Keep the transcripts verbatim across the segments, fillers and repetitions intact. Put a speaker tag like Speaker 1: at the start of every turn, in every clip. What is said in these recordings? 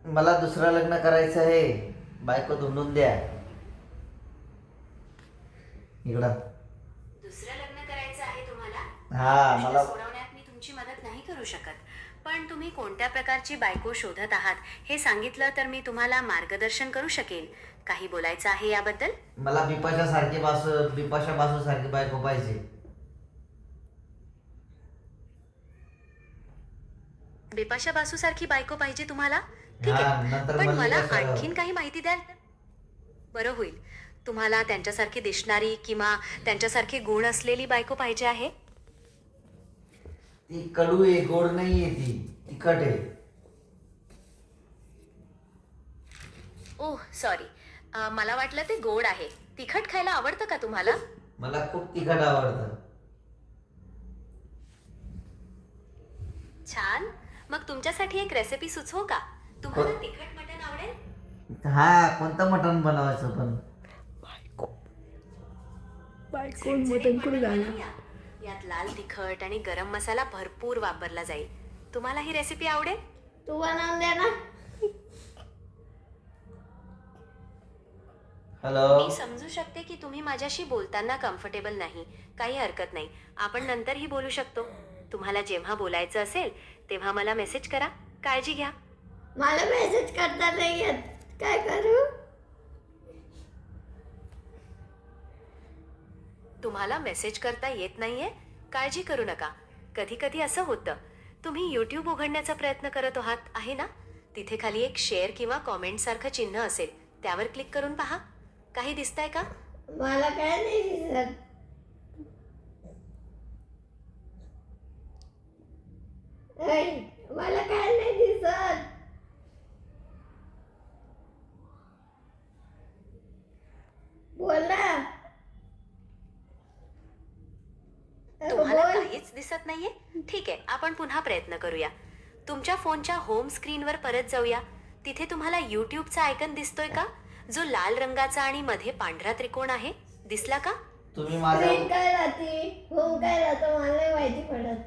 Speaker 1: मला दुसरं लग्न करायचं आहे, बायको धुंडून द्या. इकडं
Speaker 2: दुसरं लग्न करायचं आहे तुम्हाला?
Speaker 1: हा,
Speaker 2: प्रश्न
Speaker 1: मला
Speaker 2: सोडवण्यात मी तुमची मदत नाही करू शकत, पण तुम्ही कोणत्या प्रकारची बायको शोधत आहात हे सांगितलं तर मी तुम्हाला मार्गदर्शन करू शकेन. काही बोलायचं आहे याबद्दल?
Speaker 1: मला बिपाशा सारखी बासू बिपाशा बासू सारखी बायको पाहिजे.
Speaker 2: बिपाशा बासू सारखी बायको पाहिजे तुम्हाला? ठीक
Speaker 1: हा,
Speaker 2: आहे,
Speaker 1: नंतर
Speaker 2: पण
Speaker 1: मल्लिका
Speaker 2: मला
Speaker 1: सर-
Speaker 2: आणखीन काही माहिती द्याल तर बरं होईल. तुम्हाला त्यांच्यासारखी दिसणारी किंवा त्यांच्यासारखे गुण असलेली बायको पाहिजे आहे?
Speaker 1: ती कडू आहे, गोड नाहीये, ती तिखट आहे.
Speaker 2: ओह सॉरी, मला वाटलं ते गोड आहे. तिखट खायला आवडतं का तुम्हाला?
Speaker 1: मला खूप तिखट आवडतं.
Speaker 2: छान, मग तुमच्यासाठी एक रेसिपी सुचवू का? तुम्हाला तिखट मटण आवडेल?
Speaker 1: हा, कोणतं मटण बनवायचं पण?
Speaker 2: झणझणीत मटण बनवूया. यात लाल तिखट आणि गरम मसाला भरपूर वापरला जाईल. तुम्हाला ही रेसिपी आवडेल?
Speaker 3: तू बनवून दे ना.
Speaker 1: हॅलो.
Speaker 2: मी समजू शकते की तुम्ही माझ्याशी बोलताना कम्फर्टेबल नाही. काही हरकत नाही, आपण नंतरही बोलू शकतो. तुम्हाला जेव्हा बोलायचं असेल तेव्हा मला मेसेज करा. काळजी घ्या.
Speaker 3: मला मेसेज करता नाही येत, काय करू?
Speaker 2: तुम्हाला मेसेज करता येत नाहीये? काळजी करू नका. कधी कधी असं होतं. तुम्ही यूट्यूब उघडण्याचा प्रयत्न करत आहात आहे ना? तिथे खाली एक शेअर किंवा कॉमेंट सारखं चिन्ह असेल, त्यावर क्लिक करून पहा. काही दिसतंय का?
Speaker 3: मला काय नाही दिसत. ऐ, मला काय नाही दिसत. बोल ना.
Speaker 2: तुम्हाला
Speaker 3: बोल.
Speaker 2: काहीच दिसत नाहीये? ठीक आहे, आपण पुन्हा प्रयत्न करूया. तुमच्या फोनच्या होम स्क्रीनवर परत जाऊया. तिथे तुम्हाला युट्यूबचा आयकन दिसतोय का, जो लाल रंगाचा आणि मध्ये पांढरा त्रिकोण आहे? दिसला का?
Speaker 1: तुम्ही माझा
Speaker 3: स्क्रीन काय राहते, होम काय राहतं, मला नाही माहिती पडत.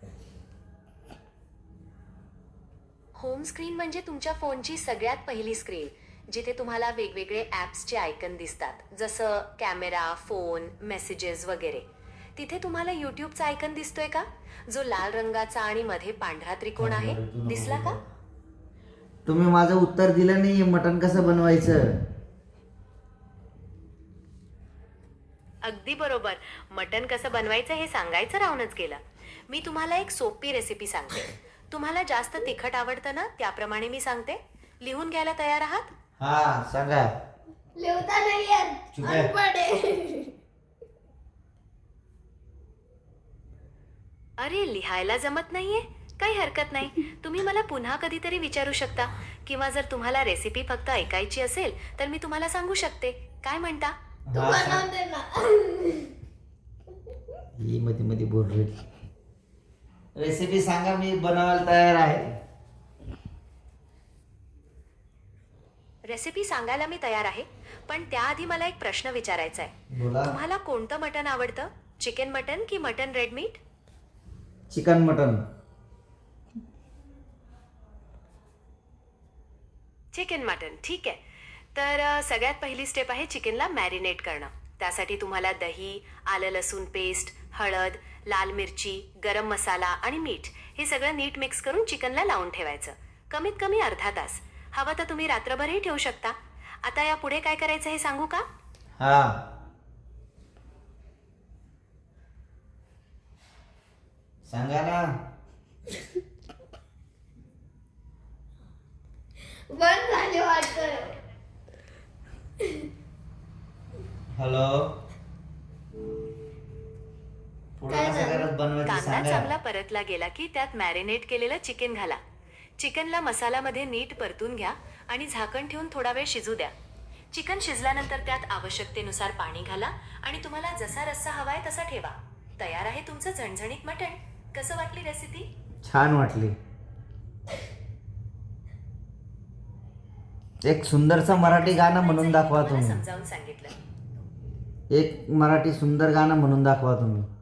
Speaker 2: होम स्क्रीन म्हणजे तुमच्या फोनची सगळ्यात पहिली स्क्रीन, जिथे तुम्हाला वेगवेगळे ॲप्सचे आयकन दिसतात, जसं कॅमेरा, फोन, मेसेजेस वगैरे. तिथे तुम्हाला यूट्यूबचा आयकन दिसतोय का, जो लाल रंगाचा आणि मध्ये पांढरा त्रिकोण आहे? दिसला का?
Speaker 1: तुम्ही माझं उत्तर दिलं नाही. मटण कसं बनवायचं?
Speaker 2: अगदी बरोबर. मटण कसं बनवायचं हे सांगायचं राहूनच गेलं. मी तुम्हाला एक सोपी रेसिपी सांगते. तुम्हाला जास्त तिखट आवडतं ना, त्याप्रमाणे मी सांगते. लिहून घ्यायला तयार आहात?
Speaker 1: हा, सांगा.
Speaker 3: लिहता नाही येत,
Speaker 1: चुप आहे.
Speaker 3: अनपढ आहे.
Speaker 2: अरे, लिहायला जमत नाहीये? काही हरकत नाही, तुम्ही मला पुन्हा कधीतरी विचारू शकता. किंवा जर तुम्हाला रेसिपी फक्त ऐकायची असेल तर मी तुम्हाला सांगू शकते. काय म्हणता?
Speaker 3: तू
Speaker 1: हा, सांग.
Speaker 3: बनवून दे ना.
Speaker 1: ही मध्ये मध्ये बोल रही. रेसिपी सांगा, मी बनवायला तयार आहे.
Speaker 2: रेसिपी सांगायला मी तयार आहे, पण त्याआधी मला एक प्रश्न विचारायचा आहे.
Speaker 1: बोला.
Speaker 2: तुम्हाला कोणतं मटण आवडतं? चिकन मटण की mutton red meat?
Speaker 1: Chicken mutton.
Speaker 2: Chicken mutton, ठीक आहे. तर अ, सगळ्यात पहिली स्टेप आहे चिकनला मॅरिनेट करणं. त्यासाठी तुम्हाला दही, आलं लसूण पेस्ट, हळद, लाल मिरची, गरम मसाला आणि मीठ हे सगळं नीट मिक्स करून चिकनला लावून ठेवायचं. कमीत कमी अर्धा तास. हवं तर तुम्ही रात्रभरही ठेवू शकता. आता या पुढे काय करायचं हे सांगू का?
Speaker 1: हा, सांगा ना.
Speaker 3: बंद झाली वाटतं.
Speaker 1: हॅलो. पुढे
Speaker 3: काय
Speaker 1: कसं
Speaker 3: झालं?
Speaker 1: करत बनवायचं
Speaker 2: कांदा
Speaker 1: सांगा.
Speaker 2: चांगला परतला गेला की त्यात मॅरिनेट केलेलं चिकन घाला. चिकनला मसाल्यामध्ये नीट परतून घ्या आणि झाकण ठेवून थोडा वेळ शिजू द्या. चिकन शिजल्यानंतर त्यात आवश्यकतेनुसार पाणी घाला आणि तुम्हाला जसा रस्सा हवाय तसा ठेवा. तयार आहे तुमचं झणझणीत मटण. कसं वाटली रेसिपी?
Speaker 1: छान वाटली. एक सुंदरचं मराठी गाणं म्हणून दाखवा
Speaker 2: तुम्हाला
Speaker 1: तुम्ही.
Speaker 2: समजावून सांगितलं.
Speaker 1: एक मराठी सुंदर गाणं म्हणून दाखवा तुम्ही.